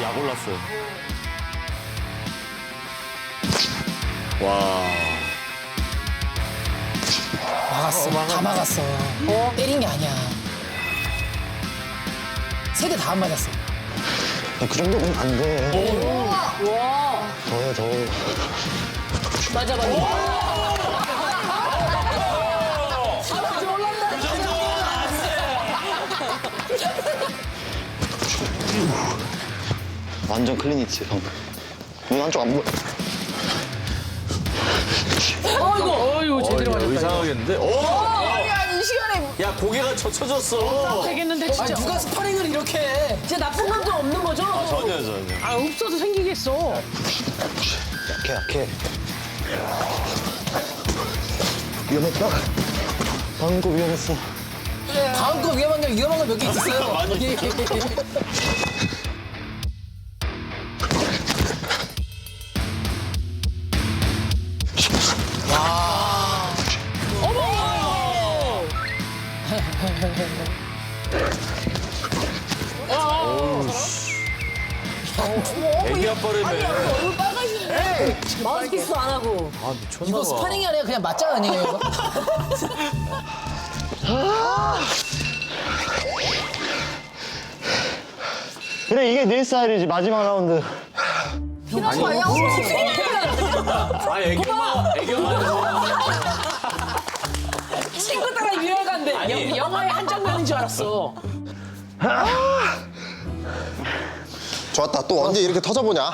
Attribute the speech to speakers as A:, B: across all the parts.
A: 약 올랐어요. 와.
B: 막았어. 다 막았어. 때린 게 아니야. 세 대 다 안 맞았어.
C: 그 정도면 안 돼.
D: 와.
C: 더해, 더.
D: 맞아.
C: 완전 클린이지, 방금. 눈 한쪽 안 보여.
D: 어이구 제대로 맞았다.
A: 이상하겠는데?
D: 아니 이 시간에
A: 야, 고개가 젖혀졌어.
D: 되겠는데 진짜.
B: 누가 스파링을 이렇게 해?
D: 진짜 나쁜 감도 없는 거죠?
A: 전혀.
D: 아 없어도 생기겠어.
C: 약해. 위험했다. 방금 거 위험했어.
B: 다음 거 위험한 거 몇 개 있었어요.
A: 많이. 애기 아빠라며.
D: 얼굴 빨가시네. 마우스피스 안 하고.
A: 아, 미쳤나
B: 이거
A: 봐.
B: 스파링이 아니라 그냥 맞짱 아니에요, 이거?
C: 그래, 이게 내 스타일이지, 마지막 라운드.
D: 피나는 거 아니야?
A: 아, 애교만.
D: 친구 따라 유열 간대.
A: 아니.
D: 영화의 한 장면인 줄 알았어.
E: 좋았다. 또 언제 이렇게 터져보냐?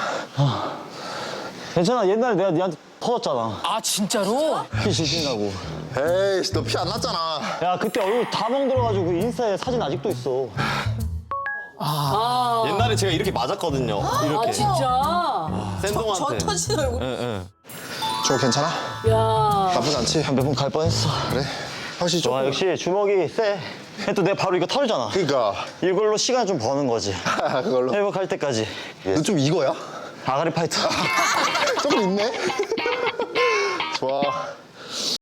C: 괜찮아, 옛날에 내가 니한테 터졌잖아.
B: 아, 진짜로?
C: 피 질신다고.
E: 에이씨, 너 피 안 났잖아.
C: 야, 그때 얼굴 다 멍들어가지고 그 인스타에 사진 아직도 있어.
A: 옛날에 제가 이렇게 맞았거든요. 이렇게.
D: 아 진짜.
A: 샌동한테.
D: 터진 얼굴.
E: 저 괜찮아?
D: 야.
E: 나쁘지 않지?
C: 몇 번 갈 뻔했어.
E: 그래. 확실히 좀.
C: 와, 역시 주먹이 세. 또 내가 바로 이거 털잖아.
E: 그니까.
C: 이걸로 시간 좀 버는 거지.
E: 그걸로.
C: 회복할 때까지.
E: 너 좀 이거야?
C: 아가리 파이터.
E: 조금 있네. 좋아.